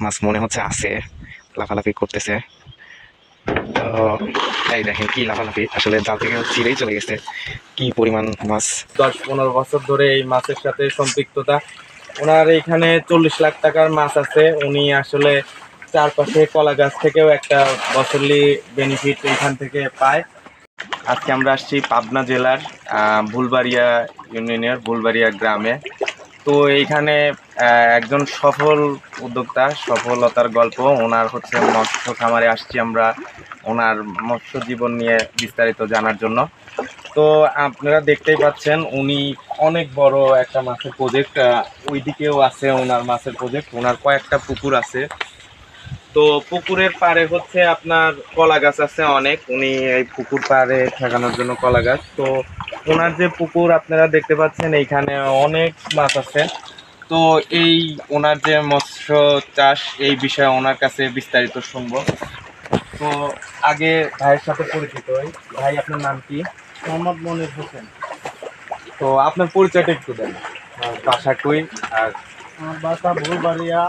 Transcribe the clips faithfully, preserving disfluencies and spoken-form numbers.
মাছ মনে হচ্ছে আছে, লাফালাফি করতেছে। তো এই দেখেন কি লাফালাফি, আসলে জাল থেকে ছিঁড়েই চলে গেছে। কি পরিমাণ মাছ! দশ পনেরো বছর ধরে এই মাছের সাথে সম্পৃক্ততা। ওনার এখানে চল্লিশ লাখ টাকার মাছ আছে। উনি আসলে চারপাশে কলা গাছ থেকেও একটা বছরলি বেনিফিট এখান থেকে পায়। আজকে আমরা আসছি পাবনা জেলার ভুলবাড়িয়া ইউনিয়নের ভুলবাড়িয়া গ্রামে। তো এইখানে একজন সফল উদ্যোক্তা, সফলতার গল্প। ওনার হচ্ছে মৎস্য খামারে আসছি আমরা ওনার মৎস্য জীবন নিয়ে বিস্তারিত জানার জন্য। তো আপনারা দেখতেই পাচ্ছেন উনি অনেক বড় একটা মাছের প্রজেক্ট, ওইদিকেও আছে ওনার মাছের প্রজেক্ট। ওনার কয়েকটা পুকুর আছে। তো পুকুরের পাড়ে হচ্ছে আপনার কলা গাছ আছে অনেক। উনি এই পুকুর পাড়ে ঠেকানোর জন্য কলা গাছ। তো ওনার যে পুকুর আপনারা দেখতে পাচ্ছেন এইখানে অনেক মাছ আছে। তো এই ওনার যে মৎস্য চাষ এই বিষয়ে ওনার কাছে বিস্তারিত শুনবো। তো আগে ভাইয়ের সাথে পরিচিত হই। ভাই, আপনার নাম কি? মোহাম্মদ মনির হোসেন। তো আপনার পরিচয়টা একটু দেন, বাসা কই আর আমার বাসা ভুলবাড়িয়া।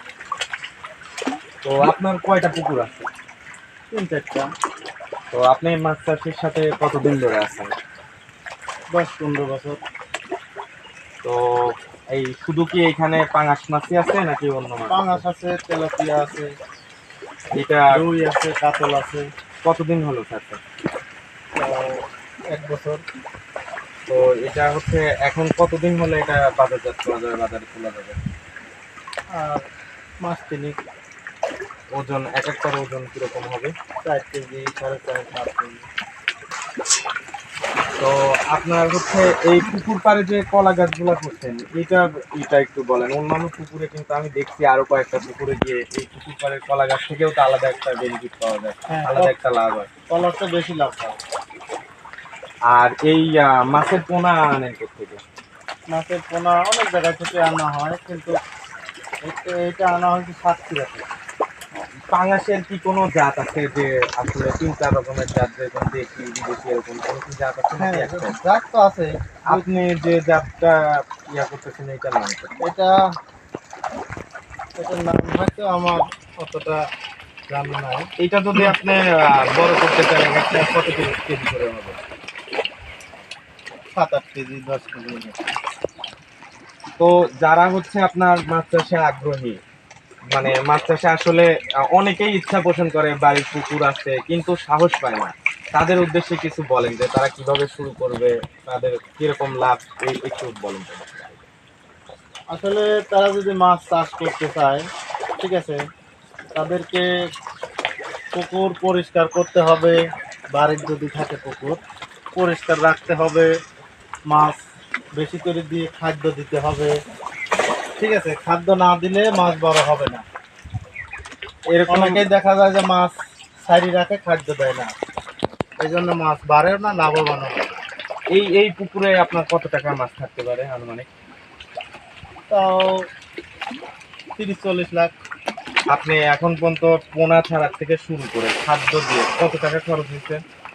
তো আপনার কয়টা পুকুর আছে? তিন চারটা। তো আপনি মাছ চাষের সাথে কতদিন ধরে আছেন? দশ পনেরো বছর। তো এই শুধু কি এখানে পাঙাশ মাছই আছে নাকি অন্য মাছ? পাঙাশ আছে, তেলাপিয়া আছে, এটা রুই আছে, কাতল আছে। কতদিন হলো থাকতে? এক বছর। তো এটা হচ্ছে এখন কতদিন হলে এটা বাজারজাত করা যাবে, বাজারে তোলা যাবে? আর মাছ তিনিক। ওজন এক একটার ওজন কিরকম হবে? চার কেজি, সাড়ে চার, পাঁচ কেজি। তো আপনার হচ্ছে এই পুকুর পাড়ে যে কলা গাছগুলো করছেন এটা এটা একটু বলেন। অন্যান্য পুকুরে কিন্তু আমি দেখছি আরো কয়েকটা পুকুরে গিয়ে এই পুকুর পাড়ের কলা গাছ থেকেও তো আলাদা একটা বেনিফিট পাওয়া যায়, হ্যাঁ, আলাদা একটা লাভ হয়। কলারটা বেশি লাভ হয়। আর এই আহ, মাছের পোনা আনেন কোথেকে? মাছের পোনা অনেক জায়গা থেকে আনা হয়, কিন্তু এটা- এটা আনা হয়েছে সাতক্ষীরা থেকে। পাঙাশের কি কোনো জাত আছে যে আসলে তিন চার রকমের জাত, যেরকম দেশি বিদেশি এরকম কোনো কি জাত আছে হ্যাঁ, নাকি একটা? জাত তো আছে। আপনি যে জাতটা ইয়া করতেছেন এইটার নাম কি? এটা এটার নাম হয়তো আমার অতটা জানা নাই। এইটা যদি আপনি আহ, বড় করতে চান একটা কত কেজি করে হবে? সাত আট কেজি, দশ কেজি। তো যারা হচ্ছে আপনার মাছ চাষে আগ্রহী, মানে মাছ চাষে আসলে আহ, অনেকেই ইচ্ছা পোষণ করে, বাড়ির পুকুর আছে কিন্তু সাহস পায় না, তাদের উদ্দেশ্যে কিছু বলেন যে তারা কিভাবে শুরু করবে, তাদের কিরকম লাভ, এই একটু বলেন তো। আসলে তারা যদি মাছ চাষ করতে চায়, ঠিক আছে, তাদেরকে পুকুর পরিষ্কার করতে হবে। বাড়ির যদি থাকে পুকুর পরিষ্কার রাখতে হবে। মাছ বেশি করে দিয়ে খাদ্য দিতে হবে। ঠিক আছে, খাদ্য না দিলে মাছ বড় হবে না। এরকম অনেকেই দেখা যায় যে মাছ সাইডে রাখে, খাদ্য দেয় না, এই জন্য মাছ বাড়েও না, লাভবান হয় না। এই এই পুকুরে আপনার কত টাকা মাছ থাকতে পারে আনুমানিক? তাও তিরিশ চল্লিশ লাখ। আপনি এখন পর্যন্ত পোনা ছাড়া থেকে শুরু করে খাদ্য দিয়ে কত টাকা খরচ হয়েছে?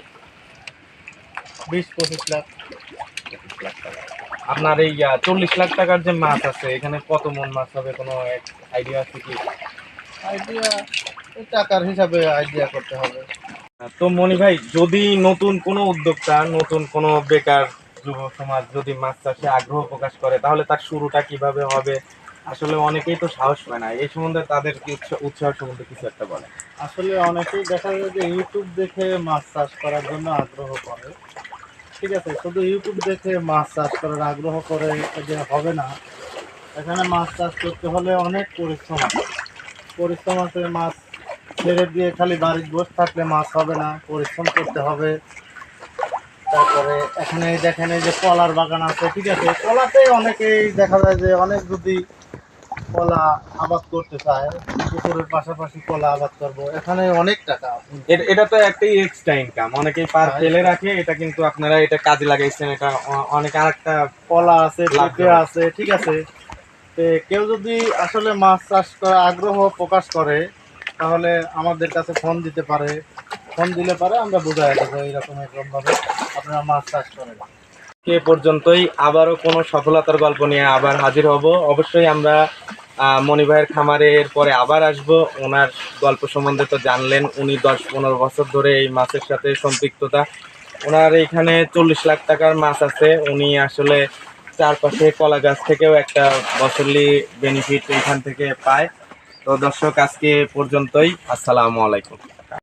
বিশ পঁচিশ লাখ। পঁচিশ লাখ টাকা। আপনার এই আহ, চল্লিশ লাখ টাকার যে মাছ আছে এখানে কত মন মাছ হবে, কোনো আইডিয়া আছে কি? আইডিয়া টাকার হিসাবে আইডিয়া করতে হবে। তো মনি ভাই, যদি নতুন কোনো উদ্যোক্তা, নতুন কোনো বেকার যুব সমাজ যদি মাছ চাষে আগ্রহ প্রকাশ করে তাহলে তার শুরুটা কিভাবে হবে? আসলে অনেকেই তো সাহস পায় না, এই সম্বন্ধে তাদের কি উৎসাহ উৎসাহ সম্বন্ধে কিছু একটা বলে। আসলে অনেকেই দেখা যায় যে ইউটিউব দেখে মাছ চাষ করার জন্য আগ্রহ করে। ঠিক আছে, শুধু ইউটিউব দেখে মাছ চাষ করার আগ্রহ করে যে হবে না। এখানে মাছ চাষ করতে হলে অনেক পরিশ্রম আছে। পরিশ্রম আছে, মাছ ছেড়ে দিয়ে খালি বাড়ির বসে থাকলে মাছ হবে না, পরিশ্রম করতে হবে। তারপরে এখানে দেখেন এই যে কলার বাগান আছে, ঠিক আছে, কলাতে অনেকেই দেখা যায় যে অনেক যদি কলা আবাদ করতে চায়, পুকুরের পাশাপাশি কলা আবাদ করবো, এখানে অনেক টাকা। এ- এটা তো একটাই এক্সট্রা ইনকাম, অনেকেই পার ফেলে রাখে, এটা কিন্তু আপনারা এটা কাজে লাগাইছেন, এটা অ- অনেক আরেকটা। কলা আছে, লাভ পেঁপে হয়। আছে, ঠিক আছে। তো কেউ যদি আসলে মাছ চাষ করা আগ্রহ প্রকাশ করে তাহলে আমাদের কাছে ফোন দিতে পারে। ফোন দিলে পারে আমরা বোঝাই দেবো এইরকম এরকম ভাবে আপনারা মাছ চাষ করেন। এ পর্যন্তই, আবারও কোনো সফলতার গল্প নিয়ে আবার হাজির হব অবশ্যই। আমরা আহ, মনি ভাইয়ের খামারের পরে আবার আসবো। ওনার গল্প সম্বন্ধে তো জানলেন, উনি দশ পনেরো বছর ধরে এই মাছের সাথে সম্পৃক্ততা। ওনার এইখানে চল্লিশ লাখ টাকার মাছ আছে। উনি আসলে চারপাশে কলা গাছ থেকেও একটা বছরলি বেনিফিট এইখান থেকে পায়। তো দর্শক, আজকে এ পর্যন্তই। আসসালামু আলাইকুম।